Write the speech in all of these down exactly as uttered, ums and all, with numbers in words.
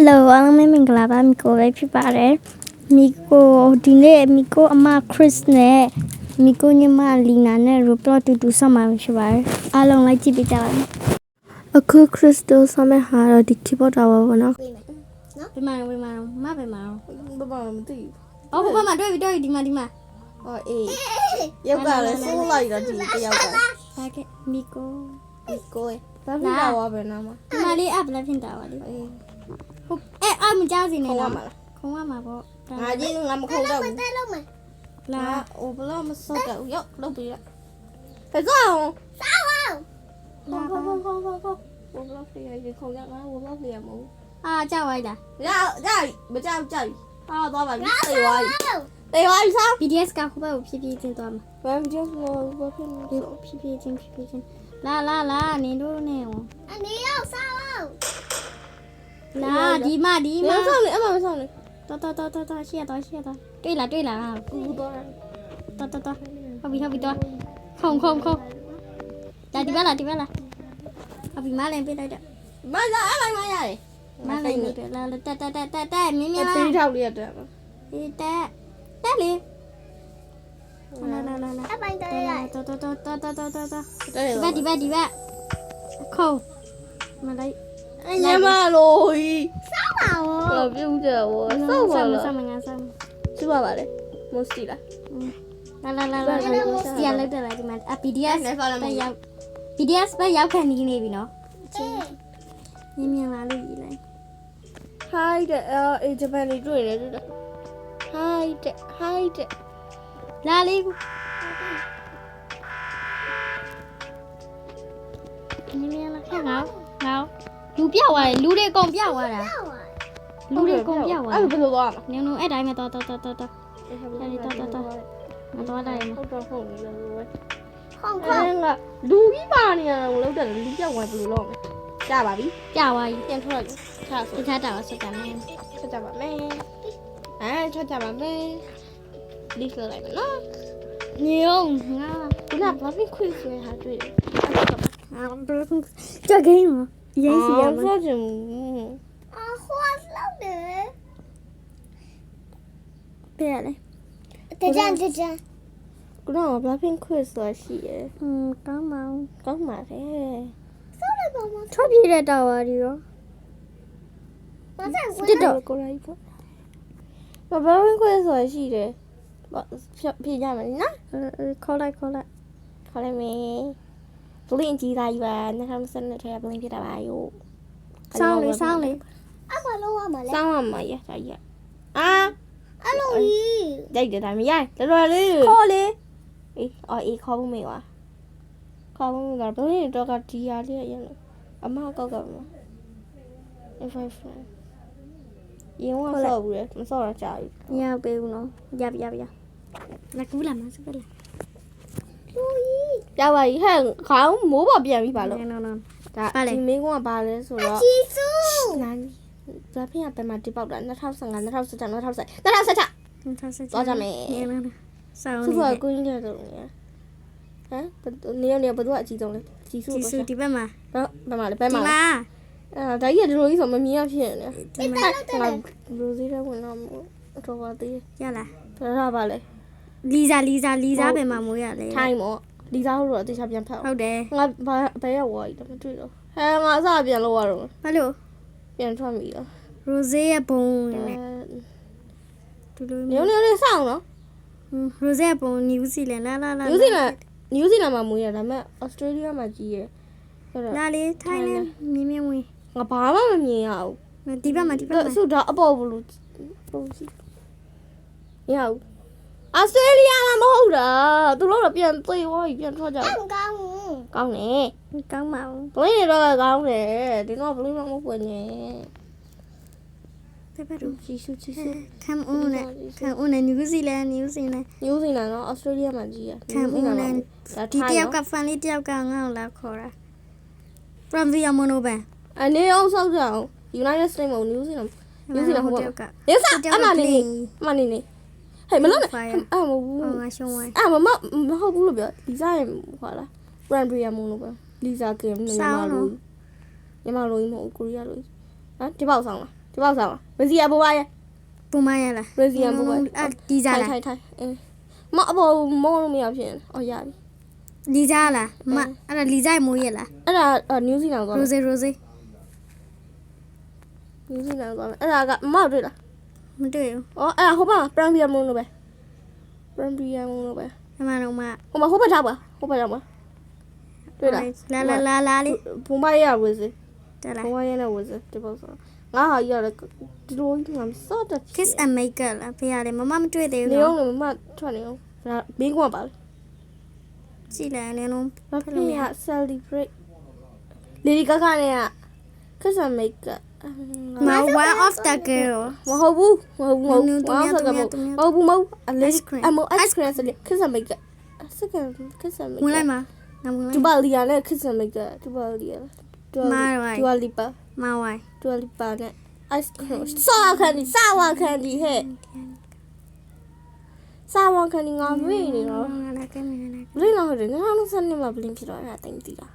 Hello အားလုံးမင်္ဂလာပါမီကိုပဲဖြစ်ပါတယ်မီကိုဒီနေ့မီကိုအမ Chris နဲ့မီကိုညီမ Lina နဲ့ Roblox တူတူဆောက်မှာဖြစ်ပါတယ်အားလုံးလိုက်ကြည့်ပေးကြပါမယ်အခု Chris တို့ဆောက်မဲ့ဟာတော့ဒီ keyboard တာပါဘောနော်နော်ဘယ်မှာဘယ်မှာမဘယ်မှာဘယ်မှာမသိဘူးအော်ဘယ်မှာတွေ့ပြီတွေ့ပြီဒီမှာဒီမှာဟောအေးယောက်ကလည်းစိုးလိုက်တော့ဒီတယောက်ကဟာကဲမီကိုမီကိုဘာဖြစ်တာဝါပဲနာမဒီမှာလေးအပ်လည်းဖြစ်တာပါလေအေးဟုတ်အဲ့အမကြောက်စီနေလားခုံရမှာပေါ့ငါကြီးငါမခုံတော့ဘူးတဲလုံးမယ်လာဟိုဘလောမစောတော့ရောက်လုပ်ပြီးလားဖက်ကောင်းစောင်းလာခေါခေါခေါခေါခေါဘလောဖေးရခုံရငါဘလောဖေးရမဟုတ်အာကြောက်လိုက်တာရရမကြောက်ကြောက်ဟာသွားပါပြီတေးသွားပြီတေးသွားပြီစား B D S ကခုဘက်ကိုဖြည်းဖြည်းချင်းသွားမှာဘာ B D S လို့ဘာဖြစ်လဲဖြည်းဖြည်းချင်းဖြည်းဖြည်းချင်းလာလာလာနေတို့နဲ့ဟောအနေရောက်စားအောင်လာဒီမဒီမဆောင်းနေအမမဆောင်းနေတော်တော်တော်တော်ရှေ့တော့ရှေ့တော့တွေ့လားတွေ့လားကူတော့တော်တော်တော်ဟုတ်ပြီဟုတ်ပြီတော့ခုံခုံခုံဒါဒီဘက်လားဒီဘက်လားဟုတ်ပြီမလည်းပြေးလိုက်တော့မလာအမိုင်မရတယ်မလည်းနေတယ်လာတက်တက်တက်တက်တက်မြင်းမြင်းလားတေးထောက်လေးရတက်အေးတက်တက်လေလာလာလာလာအမိုင်တက်ရတော်တော်တော်တော်တော်တော်တော်ဒီဘက်ဒီဘက်ဒီဘက်ခုံမလိုက်ညမလို့စောင်းပါဘောပြုတ်တယ်ဘောစောင်းပါလားစောင်းမငါစောင်းကျပါပါလေမစတီလားလာလာလာလာစီရလောက်တယ်လားဒီမှာအ P D S ပဲရောက် P D S ပဲရောက်ခံနေနေပြီနော်မြင်မြင်လာလို့ရေးလိုက် Hi တဲ့အဲဂျပန်လေးတွေ့တယ်တွေ့တယ် Hi တဲ့ Hi တဲ့လာလေးမြင်မြင်လာခက်ငါငါလူပြောက်သွားတယ်လူတွေအကုန်ပြောက်သွားတာလူတွေအကုန်ပြောက်သွားအဲ့ဘယ်လိုသွားလဲနင်နင်အဲ့တိုင်းပဲတော်တော်တော်တော်တော်အဲ့ဒီတော်တော်တော်မတော်တိုင်းဟုတ်တော့ဟုတ်ပြီလို့ပဲခေါင်းခေါင်းကလူကြီးပါနေရတယ်လို့လောက်တယ်လူပြောက်သွားဘယ်လိုလုပ်လဲကြပါပြီကြသွားပြီပြန်ထွက်လိုက်ထားဆိုထားတာဆက်ကြမယ်ဆက်ကြပါမယ်အဲထွက်ကြပါမယ်ဒီလိုလိုက်မယ်နော်ညောင်းငါကဘာဖြစ်ခွေးဆွဲဟာတွေ့တယ်အာဘယ်လိုကြိုင်မရေးစီရမှာအာဟိုးလောက်တယ်ပြရလေတကြံတကြံကတော့ဘာဖြစ်ခွေးဆွဲရှိရယ်ဟွန်းကောင်းပါကောင်းပါလေဆောက်လိုက်ပါမထွက်ပြေးတဲ့တာဝါဒီရောဘာဆက်ဆွဲတော့ကိုရိုက်ပေါ့ဘာဖြစ်ခွေးဆွဲရှိတယ်ပြေးကြမယ်နော်ခေါ်လိုက်ခေါ်လိုက်ခေါ်လိုက်မယ်ဘလင်းကြီးသားကြီးပါနှစ်ခါမစနဲ့ထဲဘလင်းဖြစ်တာပါယိုစောင်းလေးစောင်းလေးအမလုံးဝမလဲစောင်းရမှာရတာရအာအလုံးကြီးကြိုက်တယ်ဒါမရတော်တော်လေးခေါ်လေအေးအော်အေးခေါ်ဖို့မေးပါခေါ်ဖို့မေးတာဘလင်းတော့ကဒီရလေးရလို့အမကောက်ကမif I friend ရင်ဝဆော့ဘူးလေမဆော့တော့ကြာပြီမရပေးဘူးနော်ရပြရပြလာကူလာမစပလာပြပါကြီးဟဲ့ခေါင်းမိုးပေါ်ပြန်ပြီပါလို့နော်နော်ဒါဒီမင်းကဘာလဲဆိုတော့ជីစုနာဒါဖေးကဘယ်မှာတိပေါက်တာ၂၀၁၅ ၂၀၁၆ ၂၀၁၇ ၂၀၁၆ ၂၀၁၆သွားကြမယ်ဆောင်းနေကိုင်းတယ်တော့ဟမ်နေရနေဘယ်သူကအကြီးဆုံးလဲជីစုជីစုဒီဘက်မှာဘယ်မှာလဲဘယ်မှာလဲအဲဒါကြီးကဒီလိုကြီးဆိုမမြင်ရဖြစ်နေဒီမှာငါရိုစီးတဲ့ဝင်တော့တော့ပါသေးရလားဒါပါလဲလီဇာလီဇာလီဇာဘယ်မှာမိုးရလဲထိုင်းမော့လီဇာဟုတ်တော့အသေးချပြန်ဖတ်ဟုတ်တယ်ငါဘာဘယ်ရောက်သွားပြီတော့မတွေ့တော့ဟဲငါအစပြန်လို့ရတော့ဘာလို့ပြန်ထွက်ပြီတော့ရိုဇေးရဲ့ဘုံနဲ့ဒီလိုမျိုးမျိုးလေးစောင်းနော်ရိုဇေးရဲ့ဘုံနယူးဇီလန်လာလာလာနယူးဇီလန်နယူးဇီလန်မှာမိုးရဒါပေမဲ့ဩစတြေးလျမှာကြီးရဟုတ်တော့လာလေထိုင်းနဲ့မြင်းမြင်းဝင်ငါဘာမှမမြင်ရဘူးဒီဘက်မှာဒီဘက်မှာဆူတော့အပေါ်ဘူးလို့ပုံစီရအောင်ဩစတြေးလျမှာမဟုတ်တာသူတို့တော့ပြန်သိသွားပြီပြန်ထွက်ကြတယ်ကောင်းကောင်းနေကောင်းပါဘူးဘလင်းတွေတော့ကောင်းတယ်ဒီတော့ဘလင်းမမဖွင့်နေပြပါတော့ချီဆူချီဆူခံဦးနဲ့ခံဦးနဲ့နယူးဇီလန်နယူးဇီလန်နယူးဇီလန်တော့ဩစတြေးလျမှာကြီးရခံဦးနဲ့ဒီတယောက်ကဖန်လေးတယောက်ကငါ့ကိုလာခေါ်တာ from the monoban အနေအောင်ဆောက်ကြအောင် United States မှာနယူးဇီလန်နယူးဇီလန်ဟိုကရစအမနေအမနေနေဟဲ့မလို့အာမဘူးငါရှုံးသွားအာမမမဟုတ်ဘူးလို့ပြောလီဇာရဲ့ဟွာလား brand beer မလို့ပြောလီဇာကင်ညီမလို့ညီမလို့မဟုတ်ကိုရီးယားလို့ဟမ်ဒီပေါက်ဆောင်လားဒီပေါက်စားပါရစီယာဘိုးပါရဲ့ပုံမရလားရစီယာဘိုးပါအဲ့ဒီစားလားထိုင်ထိုင်အင်းမအပေါ်မောလို့မရဖြစ်နေအော်ရပြီလီစားလားမအဲ့ဒါလီစားမိုးရလားအဲ့ဒါနယူးဇီလန်သွားရိုစေရိုစေနယူးဇီလန်သွားအဲ့ဒါကမောက်တွေ့လားမတွေ့ဘူးအော်အဲ့ဒါဟိုဘက်ပရမ်ပီယာမုန်းလို့ပဲပရမ်ပီယာမုန်းလို့ပဲအမှန်တော့မဟိုမှာဟိုဘက်ထားပါဟိုဘက်ထားပါတွေ့လားလာလာလာလာလေးဘုံမရဝစေတက်လာဘုံမရနဲ့ဝစေဒီပေါက်စားငါဟာရတဲ့ဒီလိုကြီးငါစော့တက် kiss and make up လားဖေရတယ်မမမတွေ့သေးနေဘူးအောင်လည်းမထွက်နေအောင်ဒါဘင်းကွာပါလေကြည့်လိုက်နေလုံးဘာဖြစ်ရ celebrate Lady Gaga နဲ့က kiss and make up မ one of the girl မဟုတ်ဘူးမဟုတ်ဘူးမဟုတ်ဘူးမဟုတ်ဘူးမဟုတ်ဘူးအလေးအမ ice cream ဆိုလေ kiss and make up second kiss and make ဝင်လိုက်မှာငါဝင်လိုတူက်ပါလီယာနဲ့ kiss and make up တူပါလီယာတူပါလီပါမဝိုင်းတူပါလီပါနဲ့ ice cream စားခန်းဒီစားဝခန်းဒီဟဲ့စားဝခန်းဒီငါမေ့နေတော့လာကဲမလာဘလင်းတော့တယ်ငါတို့စနေမှာဘလင်းဖြစ်တော့အဲ့ဒါတိုင်းတည်တာ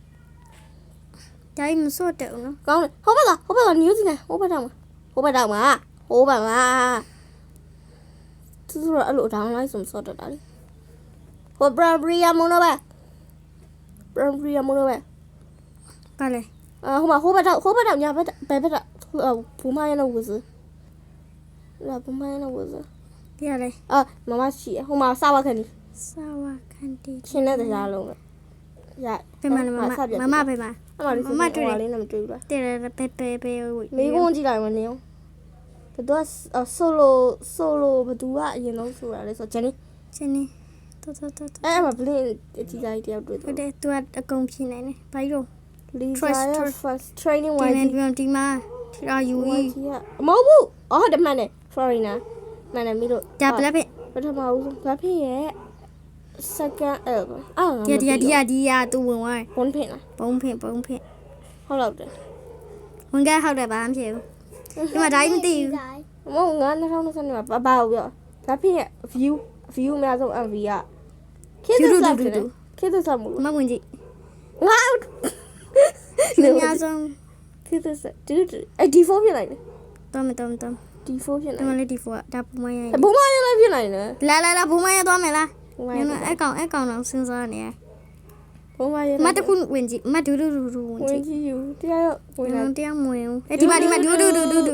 ဒါမှမစိုးတယ်နော်ကောင်းတယ်ဟိုဘက်ကဟိုဘက်ကနယူးဇီလန်ဟိုဘက်တောင်မှာဟိုဘက်တောင်မှာဟိုဘက်မှာသူတို့အဲ့လိုဒေါင်းလိုက်ဆိုမစော့တတ်တာလေဟိုဘရဘရီယာမွန်တော့ပဲဘရဘရီယာမွန်တော့ပဲပါလေအာဟိုမှာဟိုဘက်တောင်ဟိုဘက်တောင်ညာဘက်ဘယ်ဘက်တောင်ဘူမရနော်ဝစလာဘူမရနော်ဝစပြရလေအာမမရှိဟိုမှာစာဝခန်းဒီစာဝခန်တီချင်းတဲ့တရားလုံးပဲရပြမမမမဖေမအမလေးမတွေ့ဘူးလေးနဲ့မတွေ့ဘူးလားတဲ့ပဲပဲပဲဝိမေကွန်းကြည့်လိုက်မနေအောင်ဘယ်တော့ဆိုလိုဆိုလိုဘသူကအရင်ဆုံးဆိုတာလဲဆိုဂျန်နီချင်းနေတော်တော်တော်အဲ့အမဘလင်းအကြီးစားကြီးတယောက်တွေ့ဟုတ်တယ်တယ်သူကအကုန်ဖြစ်နေတယ်ဘာလို့လီဇာရဲ့ first training ဒီ wise နေ့ဒီမှာဒီမှာရာယူဝိုကြီးကြီးကမဟုတ်ဘူးအော်ဟုတ်တယ်မှန်တယ် foreigner မှန်တယ်မီးတို့ဒါဘလက်ပဲပထမဦးဆုံးဘာဖြစ်ရဲ့ second အဲ့အာဒီဒီဒီဒီရသူဝင်သွားဘွန်ဖင်လားပုံဖင်ပုံဖင်ဟုတ်တော့တယ်ဝင်ကဟုတ်တယ်ဘာမှမဖြစ်ဘူးဒီမှာဒါကြီးမသိဘူးမဟုတ်ငါ၂၀၂၂မှာဘာဘာပြောဘာဖြစ်ရဲ့ view view အများဆုံး M V ကခေတ်သစ်စားတယ်ခေတ်သစ်စားမလို့မဝင်ကြည့်ငါအများဆုံးခေတ်သစ်စားတူတူအဲ့ D four ဖြစ်လိုက်တယ်တော့မတော့မတော့ D four ဖြစ်ဒီလိုက်မှာလေးဒီဖိုကဒါပုံမရဘုံမရလည်းဖြစ်နိုင်တယ်လာလာလာဘုံမရသွားမယ်လားဘုံမညရနေအကောင်အကောင်တော့စဉ်းစားနေရဘုံမရမတခုဝင်ကြည့်မဒူဒူဒူဒူဝင်ဝင်ကြည့်ကြည့်ယူတရားရောဝင်လာတရားမဝင်ဘူးအဲ့ဒီမှာဒီမှာဒူဒူဒူဒူဒူ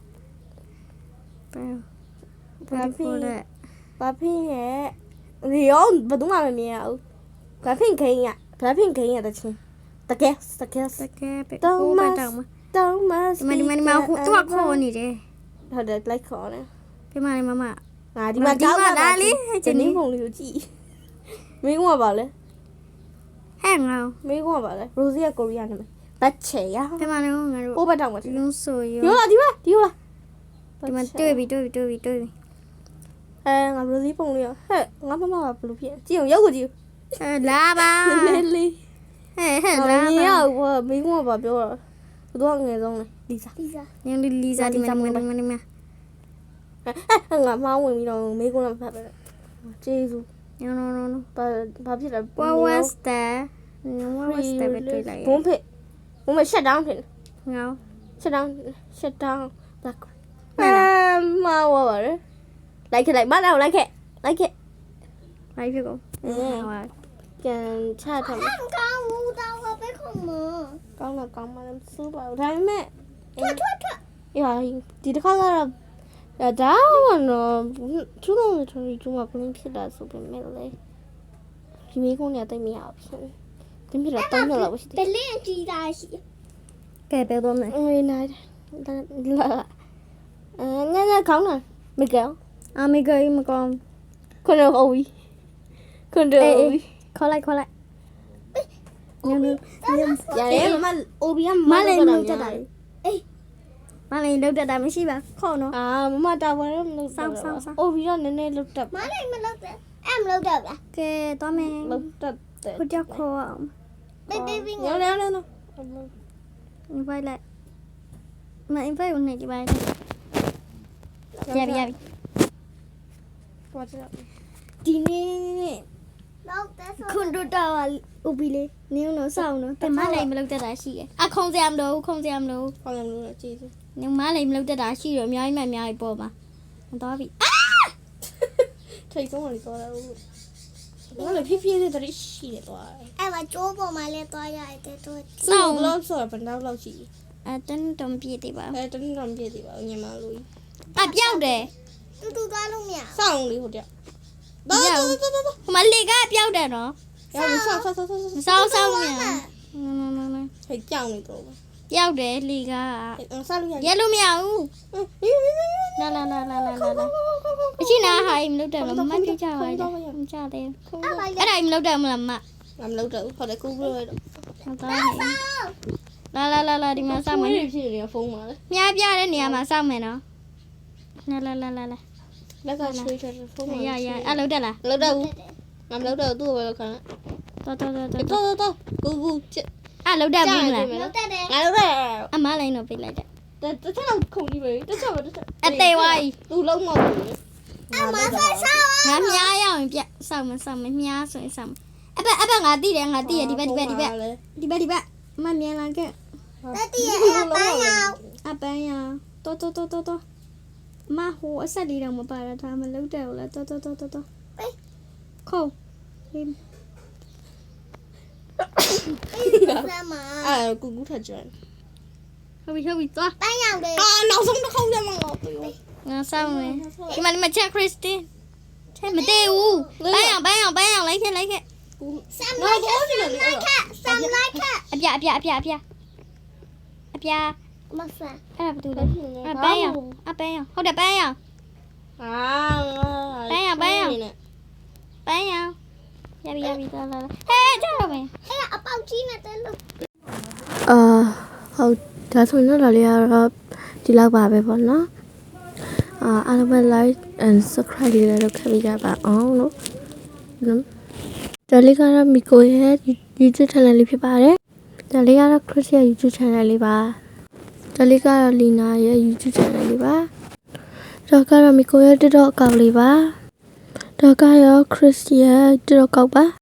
ဘာဖြစ်လဲဘာဖြစ်ရဲ့ဒီရောဘယ်သူမှမမြင်ရဘူးဘာဖြစ်ခိန်ရဘာဖြစ်ခိန်ရတဲ့ချင်းတကယ်တကယ်တကယ်ပဲဟိုဘက်တောင်မှာတောင်းမဒီမှာဒီမှာဒီမှာဟိုသူကခေါ်နေတယ်ဟုတ်တယ်လိုက်ခေါ်တယ်ဒီမှာမမငါဒီမှာတောင်းလာလေဂျင်းနီပုံလေးကိုကြည့်မင်းကပါလေဟဲ့ငါမင်းကပါလေရိုစီကကိုရီးယားနာမည်ဘတ်ချေရဒီမှာလည်းငါတို့ဟိုဘက်တောင်းမှာလုံးဆိုရဒီလားဒီလားဒီလားဒီမှာတွေ့ပြီတွေ့ပြီတွေ့ပြီတွေ့ပြီအဲငါရိုစီပုံလေးရဟဲ့ငါမမကဘလို့ဖြစ်ကြည့်အောင်ရောက်ကိုကြည့်အဲလာပါလေးလေးဟဲ့ဟဲ့လာလာမပါရဘူးမင်းကပါပြောတာသူကငယ်ဆုံးလေလီစာညနေလီစာဒီမှာဒီမှာဒီမှာအဲငါမောင်းဝင်ပြီးတော့မေးခွန်းတော့ဖတ်ပဲကျေးဇူး no no no no ဘာဘာဖြစ်လဲ what was that what was that ပဲတွေ့လိုက်ဘုံဖေဘုံမ shut down ဖြစ်ငါ shut down shut down black အဲမဝါပါလေလိုက်ခဲ့လိုက်မလိုက်လိုက်ခဲ့လိုက်ခဲ့လိုက်ဖြစ်ကုန်ဟာပြန်ချထားမယ်ကောင်းဘူးတော့ပဲခုံမကောင်းတော့ကောင်းမှလည်းစိုးပါဘူးဒါပေမဲ့ထွက်ထွက်ထွက်ရာဒီတစ်ခါကတော့ဒါကတော့သူ့လုံးထွန်ကြီးကျမပလင်းဖြစ်တာဆိုပေမဲ့လေဒီမိကုန်းနဲ့တိတ်မရဘူးဖြစ်တင်ပြတော့တောင်းရလောက်ရှိတယ်ဘလင်းကြည်တာရှိကဲပဲတော့မယ်အေးနိုင်လာအဲညညကောင်းလားမကောင်းအမေကမကောင်းခွန်းတော့ဝီခွန်းတော့ဝီခေါ်လိုက်ခေါ်လိုက်ညနေရတယ်မမအိုဘီကမမလေးလေးလောက်လောက်တတက်တာတာအေးမလေးလောက်တက်တာမရှိပါခေါ်နော်အာမမတာဝန်တော့မလုပ်ဆောင်းဆောင်းအိုဘီကနည်းနည်းလုတ်တက်မလေးမလောက်တက်အဲ့မလောက်တက်လားကဲတော့မယ်လုတ်တက်တယ်ခုကြောက်ခေါ်အောင်ဘေဘေဘီညောင်းညောင်းညောင်း invite လိုက်မ invite ဦးနေဒီပိုင်းရပြီရပြီ What's up? ဒီနေ့ခွန်တို့တော်ဥပီလေးနင်းတော့စောင်းတော့တမနိုင်မလောက်တက်တာရှိတယ်အခုံစရာမလို့ခုံစရာမလို့ခေါင်းရလို့ကြည့်စညီမလေးမလုပ်တတ်တာရှိတော့အများကြီးမှအများကြီးပေါ်မှာသွားပြီထိတ်ဆုံးဝင်သွားတာဟုတ်ဘာလဲဖြည်းဖြည်းလေးတည်းရှိနေသွားတယ်အဲ့မှာကျိုးပေါ်မှာလည်းသွားရတယ်တော့စောင်းဘလောက်ဆိုတော့ဘယ်တော့လောက်ရှိအဲတန်းတုံပြည့်တယ်ပါအဲတနေ့တော့ပြည့်သေးပါဘူးညီမလို့အပြောက်တယ်တူတူသွားလို့မရစောင်းလေးဟိုတည်းတော့တော့တော့တော့ဟိုမှာလေကပြောက်တယ်နော်ရအောင်ဆောင်းဆောင်းဆောင်းဆောင်းမစောင်းစောင်းမြန်ဟဲ့ကြောင်နေတော့ပြောက်တယ်လေကဆောင်းလို့ရရဲလို့မရဘူးလာလာလာလာလာလာအချင်းနာဟာမလုပ်တယ်မမကြည့်ကြပါနဲ့မကြတယ်အဲ့ပါအဲ့ဒါမလုပ်တယ်မလားမမလုပ်တော့ဟုတ်တယ်ကူပြီးတော့တော့လာလာလာလာဒီမှာစောင့်မယ်ဖြစ်နေဖုန်းမှာလေမြားပြတဲ့နေရာမှာစောင့်မယ်နော်လာလာလာလာလာလက်ကဆွေးချင်ဖုန်းမှာရရအဲ့လုပ်တယ်လားမလုပ်တော့ဘူးငါမလုပ်တော့သူ့ကိုပဲလုပ်ခါတော်တော်တော်တော့တော့တော့ကူကူချစ်အဲ့လုပ်တယ်ဘူးလားလောက်တက်တယ်ငါလုပ်တယ်အမလိုင်းတော့ပြလိုက်တယ်တခြားခုန်ကြီးပဲတခြားပဲတခြားအသေးဝိုင်းသူလုံးမဟုတ်ဘူးအမဆက်ဆောင်းငါမြားရအောင်ပြစောင့်မစောင့်မမြားဆိုရင်စောင့်အပအပငါတိတယ်ငါတိရဒီဘက်ဒီဘက်ဒီဘက်ဒီဘက်ဒီဘက်မမြန်လာခဲ့တက်တည်းအဲ့ပန်းရောင်အပန်းရတော်တော်တော်တော်တော်မဟိုအဆက်လေးတော့မပါတာဒါမလုပ်တယ်ဘူးလားတော်တော်တော်တော်တော်ခေါ်ဆမ်းမအာကူကူထကြတယ်ဟုတ်ပြီဟုတ်ပြီသွားပန်းရောင်တယ်အာနောက်ဆုံးတစ်ခေါက်ကျမှငါပြေငါစောင့်မယ်ဒီမှာဒီမှာချက်ခရစ်စတင်ချက်မတည့်ဘူးပန်းအောင်ပန်းအောင်ပန်းအောင်လိုက်ခဲ့လိုက်ခဲ့ဆမ်းလိုက်ခက်ဆမ်းလိုက်ခက်ဆမ်းလိုက်ခက်အပြအပြအပြအပြအပြမဆမ်းအဲ့ဒါဘာတူလဲအပန်းအောင်အပန်းအောင်ဟုတ်တယ်ပန်းအောင်အာပန်းအောင်ပန်းအောင်ရပြီရပြီလာလာဟဲ့ကြောက်တော့မယ်အဲ့အပေါက်ကြီးနဲ့တဲလို့အာဟုတ်ဒါဆိုရင်တော့ဒါလေးကတော့ဒီလောက်ပါပဲပေါ့နော်အာအားလုံးပဲ like and subscribe လေးလည်းလုပ်ခဲ့ပေးကြပါအောင်လို့ဒါလေးကတော့မီကိုရဲ့ YouTube channel လေးဖြစ်ပါတယ်ဒါလေးကတော့ Chris ရဲ့ YouTube channel လေးပါဒါလေးကတော့ Lina ရဲ့ YouTube channel လေးပါဒါကတော့မီကိုရဲ့ TikTok account လေးပါဒါကတော့ Chris ရဲ့ TikTok account ပါ